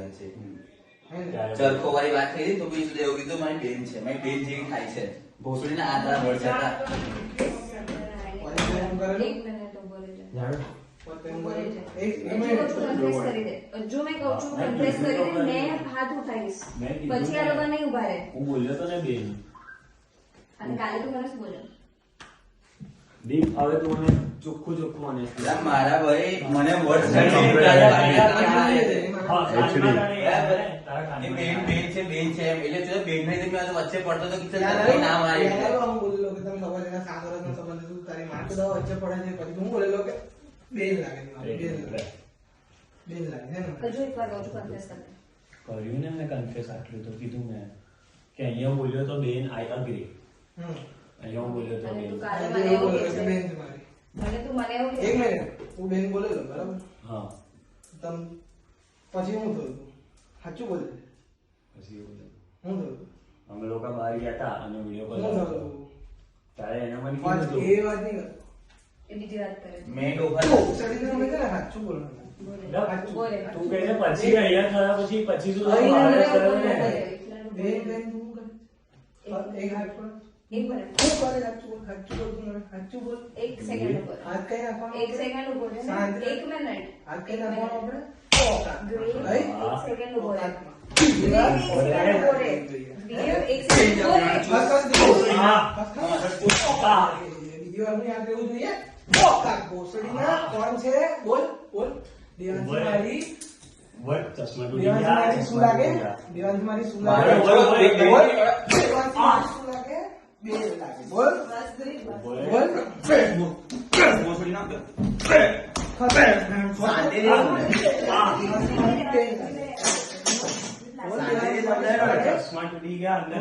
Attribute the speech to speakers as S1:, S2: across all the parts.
S1: છે ચરખો વાળી વાત થઈ તો બી એવું કીધું મારી બેન છે, મારી બેન જેવી થાય છે. ભોસડીના આ તારા વર્ડ હતા.
S2: જો મેં કહું છું કન્ફેસ કરી દે, મેં હાથ ઉઠાવીશ પછી આ લોકો નહીં ઉભા રહે.
S3: હું બોલ્યો તો ને બેન,
S2: અને કાલે તું મને શું બોલ્યો?
S3: દીપ હવે તું મને ચોખ્ખું મને
S1: મારા ભાઈ મને વર્ડ બેન છે બેન છે એટલે તું બેન ને વચ્ચે પડતો તો કિચન ના મારી
S4: હું બોલેલો કે તમે ખબર એના 7 વર્ષનો સંબંધ તું તારી માં તો વચ્ચે પડે છે પછી હું બોલેલો કે બેન લાગે છે બેન લાગે છે ને
S2: હજુ એક વાર કહું છું કન્ફેસ કર દે.
S3: કર્યું ને મેં કન્ફેસ આટલું તો કીધું મેં કે અહીંયા બોલ્યો તો બેન આઈ અગ્રી. અહીંયા હું બોલ્યો તો
S2: અને
S3: બેન.
S2: તું કાલે મને એવું કહે છે
S4: બેન છે મારી.
S2: અને તું મને એવું કહે
S4: એક મિનિટ હું બેન બોલેલો બરાબર
S3: હા
S4: તમ પછી હું થયું સાચું બોલે
S3: પછી એવું થયું.
S4: હું થયું
S3: અમે લોકો બહાર ગયા હતા અને વિડીયો કોલ
S4: હું થયું
S3: ત્યારે એને મને
S4: વાત
S3: કીધું
S4: એ વાત નહીં કરતો
S2: એ બીજી વાત કરે છે.
S1: મેં ડોફા
S4: સડીને અમે છે ને સાચું બોલવાનું
S2: બોલે
S3: તું કહે છે પછી અહીંયા થયા પછી તું
S4: અહીંયા
S3: બહાર
S4: મને
S3: કર્યો ને.
S4: બેન બેન તું કર એક હાથ પર
S2: એક મિનિટ
S4: હું કરે સાચું બોલ તું મને સાચું બોલ
S2: એક સેકન્ડ ઉપર
S4: હાથ કઈ નાખવાનો
S2: એક સેકન્ડ ઉપર છે ને?
S4: શાંતિ.
S2: એક મિનિટ
S4: હાથ કઈ નાખવાનો આપણે
S2: ગ્રેટ.
S4: right?
S2: એક સેકન્ડ ઉપર
S4: હાથ
S2: ગ્રેટ, એક સેકન્ડ ઉપર વિડિયો એક સેકન્ડ ઉપર
S4: બીજી વાર હું યાદ રહેવું જોઈએ પોકાક ભોસડીના કોણ છે બોલ બોલ દેવાંશી મારી
S3: ચશ્મા તૂટી
S4: દેવાંશી
S3: ગયા,
S4: મારી શું
S3: ચશ્મા
S4: લાગે
S3: તૂટી ગયા.
S4: દેવાંશી મારી શું
S1: બોલ,
S4: લાગે
S1: બોલ, બોલ, બોલ.
S4: દેવાંશી મારી શું લાગે બેન લાગે બોલ
S3: બોલે.
S4: બોલ
S1: શાંતિથી બોલ.
S4: દેવાંશી મારી બેન લાગે બોલ દેવાંશી મારી શું લાગે?
S3: ચશ્મા તૂટી ગયા અંદર.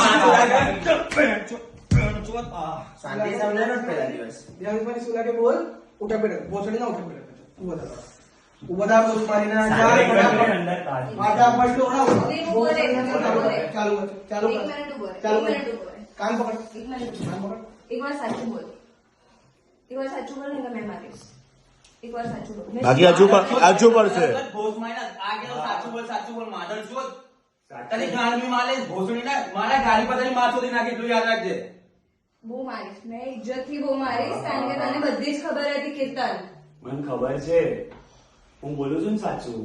S1: શાંતિ સમજાયો ને પેલા દિવસ
S4: દેવાંશી મારી શું લાગે બોલ ઉઠા બેઠા ભોસડી ના ઉઠા બેઠા ઊભો થા ઊભો થા બોલ મારી ના
S3: શાંતિ
S4: ચાલ
S3: કરીને
S4: ફટાફટ
S3: અંદર કાઢ.
S4: ફટાફટ દોડાવો
S2: ઉભો રહે, ઉભો રહે.
S4: ચાલુ કર ચાલુ
S2: એક
S4: કર
S2: મિનિટ ઉપર
S4: ચાલુ
S2: એક
S4: કર
S2: મિનિટ ઉપર
S4: કાન પકડ
S2: એક મિનિટ
S4: કાન પકડ
S2: એક વાર સાચું બોલ, એક વાર સાચું બોલ ને તો મેં મારીશ. એક વાર સાચું બોલ. મેં
S5: બાકી હજુ પડશે.
S1: ભોસ માયના આ કે સાચું બોલ માધર છો તને ગાળ બી માલે ભોસડી ના મારા ગાડી પતાની માં સુધી નાખી એટલું યાદ રાખજે.
S2: બહુ મારીશ, મેં ઇજ્જતથી બહુ મારીશ કારણ કે તને બધી જ ખબર હતી કીર્તન.
S3: મને ખબર છે હું બોલું છું ને સાચું.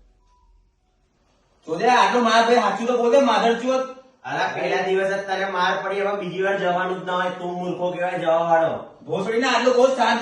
S1: જોજે આટલો માર ભાઈ સાચું તો બોલે માધર ચોત.
S6: અલા પહેલા દિવસ જ તને માર પડી હવે બીજી વાર જવાનું જ ના હોય તું મૂર્ખો કહેવાય જવા વાળો
S1: ભોસડી ના આટલો બહુ શાંત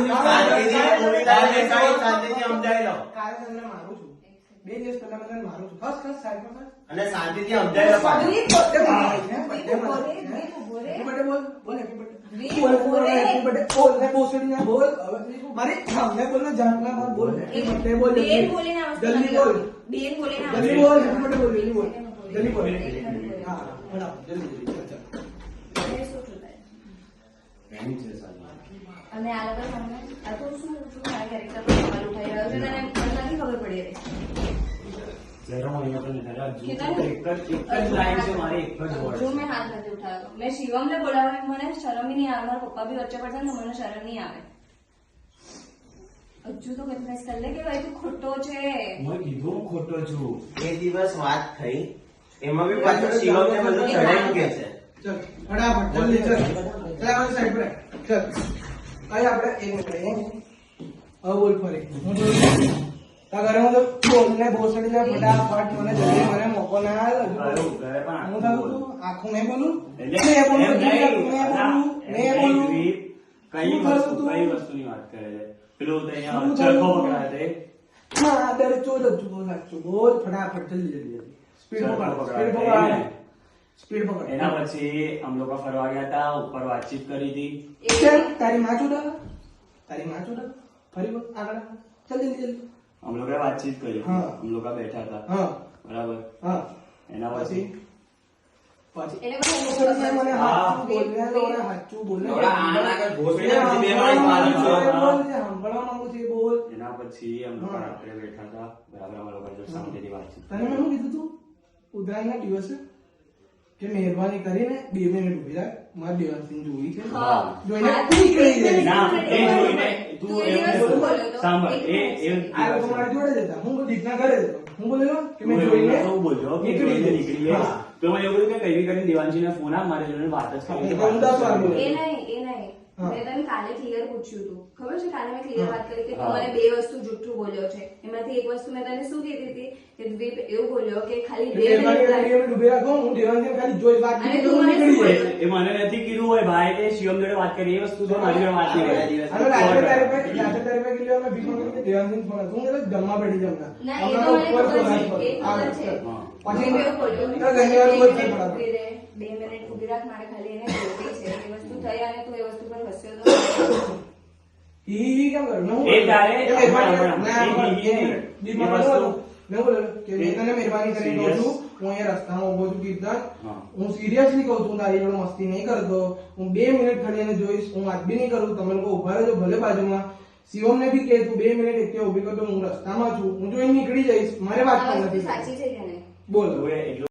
S6: શાંતિથી સમજાવી લો
S4: કાલે તમને મારું છું 2 દિવસ પહેલા મને મારું છું ખસ ખસ સાઈડ પર
S6: અને શાંતિથી સમજાવી લો પાછું.
S2: વીર
S4: બર્થડે
S2: બોલ,
S4: બોલ
S2: વીર
S4: બોલ
S2: બોલ.
S4: બોલ હેપી બર્થડે
S2: વીર
S4: બોલ બોલ
S2: બોલે.
S4: હેપી બર્થડે બોલ ને ભોસડી ના બોલ હવે મારી સામે બોલ ને જાનના બોલ હેપી બર્થડે બોલ
S2: બેન બોલીને આવશે
S4: જલ્દી બોલ
S2: બેન બોલીને આવશે.
S4: જલ્દી બોલ હેપી બર્થડે બોલ જલ્દી બોલ જલ્દી બોલ હા ફટાફટ જલ્દી જલ્દી ચાલ
S2: મને શું છું તારે?
S3: એની છે સાલી.
S2: અને આ લોકો સામે આ તો શું છું મારા કેરેક્ટર પર સવાલ ઉઠાઈ રહ્યો છે તને મને નથી ખબર પડી રહી.
S3: જરા હું અહીંયા પણ જરા જો
S2: કેટલા?
S3: એક જ લાઈન છે મારી એક જ
S2: હજુ
S3: વર્ડ
S2: મેં હાથ નથી ઉઠાવ્યો. મેં શિવમને બોલાવવા મને શરમ ય નહીં આવે, મારા પપ્પા બી વચ્ચે પડશે ને તો મને શરમ નહીં આવે. હજુ તો કન્ફેસ કર લે કે ભાઈ તું ખોટો છે.
S3: મેં કીધું હું ખોટો છું.
S6: એ દિવસ વાત થઈ એમાં બી પાછું શિવમને બધું ચડાઈ કે છે
S4: ચલ ફટાફટ જલ્દી ચલ ચલ આ સાઈડ પર ચલ આય આપણે એક મિનિટ હવે બોલ ફરી હું તો તા ઘરે હું તો બોલને ભોસડી ને ફટાફટ મને જલ્દી મને મોકો ના આલ
S3: ખરું, ઘરે પણ
S4: હું થાઉં છું આખું મેં બોલું
S3: એટલે
S4: મેં બોલું
S3: એમ નહીં.
S4: મેં બોલું
S3: કઈ વસ્તુની વાત કરે છે પેલું તો અહીંયા ચરખો પકડાય છે.
S4: માદર ચોદ જ બોલ સાચું બોલ ફટાફટ જલ્દી જલ્દી સ્પીડ
S3: ચરખો
S4: પકડ
S3: પકડાય
S4: સ્પીડ
S3: છે.
S4: પકડ સ્પીડ પકડ
S3: એના પછી અમે લોકો ફરવા ગયા હતા ઉપર વાતચીત કરી હતી.
S4: ચલ તારી માં ચૂડા ફરી બોલ આગળ ચલ જલ્દી જલ્દી
S3: અમે લોકોએ વાતચીત કરી હતી.
S4: હા.
S3: અમે લોકો બેઠા હતા
S4: હા
S3: બરાબર.
S4: હા
S3: એના પછી
S2: એટલે પછી
S4: ભોસડીને મને
S3: હા.
S4: હાચું બોલને લોડા હાચું બોલને
S1: લોડા આના આગળ ભોસડીને પછી બે માણસ મારું છું.
S4: બોલ જે સાંભળવા માંગુ છું એ બોલ
S3: એના પછી અમે લોકો
S4: હા.
S3: રાત્રે બેઠા હતા બરાબર. અમે લોકો જો શાંતિથી વાતચીત
S4: તને મેં શું કીધું તું ઉત્તરાયણના દિવસે કે મહેરબાની કરીને 2 મિનિટ ઉભી રાખ મારે દેવાંશીને જોઈ છે
S2: હા.
S4: જોઈને નીકળી જાય
S3: ના, એ જોઈને તું
S2: તું એ
S3: એવું
S2: દિવસ શું
S3: બોલ.
S2: બોલ્યો હતો?
S3: સાંભળ,
S2: એક
S3: એ
S2: મિનિટ.
S4: આ લોકો મારી જોડે જ હતા હું દીપના ઘરે જ હતો હું બોલ્યો કે મેં જોઈને
S3: તો હું બોલ્યો કે
S4: નીકળી
S3: જોઈને
S4: જઈશ.
S3: નીકળી જઈશ.
S4: હા.
S3: તો મેં એવું કહ્યું કે કઈ બી કરીને દેવાંશીને ફોન આપ, મારે જોડે વાત જ કરવી છે.
S4: એટલે હું 10 વાર બોલ્યો.
S2: એ નહીં
S4: હા.
S2: મેં તને કાલે ક્લિયર પૂછ્યું હતું ખબર છે કાલે મેં ક્લિયર
S4: હા.
S2: વાત કરી કે તું
S3: હા.
S2: મને બે વસ્તુ જુઠ્ઠું બોલ્યો છે એમાંથી એક વસ્તુ મેં તને શું કીધી હતી કે તું એવું બોલ્યો કે ખાલી 2
S4: એટલે
S2: મિનિટ
S4: એમાં કે ઉભી રાખો, હું દેવાંશને ખાલી જોઈ વાત
S2: અને
S4: કરી
S2: તું
S4: હું
S2: મને
S4: નીકળી
S2: શું
S4: જઈશ.
S3: એ મને નથી કીધું હોય ભાઈ કે શિવમ જોડે વાત કરી, એ વસ્તુ છે મારી જોડે વાત નહીં કરી.
S4: અને રાત્રે તારે પાસે કીધું અમે ભીખ માંગી કે દેવાંશને ફોન હતો. હું કીધું જમવા બેઠી જમતા.
S2: ના, એ
S4: હમણાં
S2: તો મને
S4: ઉપર
S2: ખબર
S4: સોના
S2: છે,
S4: પર.
S2: એ ખબર છે.
S3: હા.
S4: પછી
S2: મેં એવું બોલ્યું
S4: તો ઘણી વાર બોલ છે
S2: બે
S4: બરાબર.
S2: મિનિટ ઉભી રાખ મારે ખાલી એને જોવી છે એ વસ્તુ થઈ અને તું એ વસ્તુ પર હસ્યો તો
S4: ઈ કેમ કર્યું? મેં હું
S3: એ તારે-
S4: બોલ્યો? એ મહેરબાની
S3: હમણાં-
S4: ના,
S3: હમણાં.
S4: એક મિનિટ. બીક માં
S3: એ વસ્તુ-
S4: નહોતું. મેં બોલ્યો કે મેં તને મહેરબાની કરીને કહું છું, હું અહીંયા રસ્તામાં ઉભો છું કીર્તન.
S3: હા.
S4: હું સિરિયસલી કહું છું, તારી જોડે મસ્તી નહીં કરતો. હું 2 મિનિટ ખાલી એને જોઈશ, હું વાત બી નહીં કરું. તમે લોકો ઉભા રહેજો ભલે બાજુમાં. શિવમને બી કે તું 2 મિનિટ એકથી ઉભી કરતો, હું રસ્તામાં છું, હું જોઈને નીકળી જઈશ, મારે વાત
S2: આ
S4: પણ
S2: વસ્તુ
S4: નથી
S2: સાચી છે કે નહીં
S4: બોલો.
S3: હવે એટલું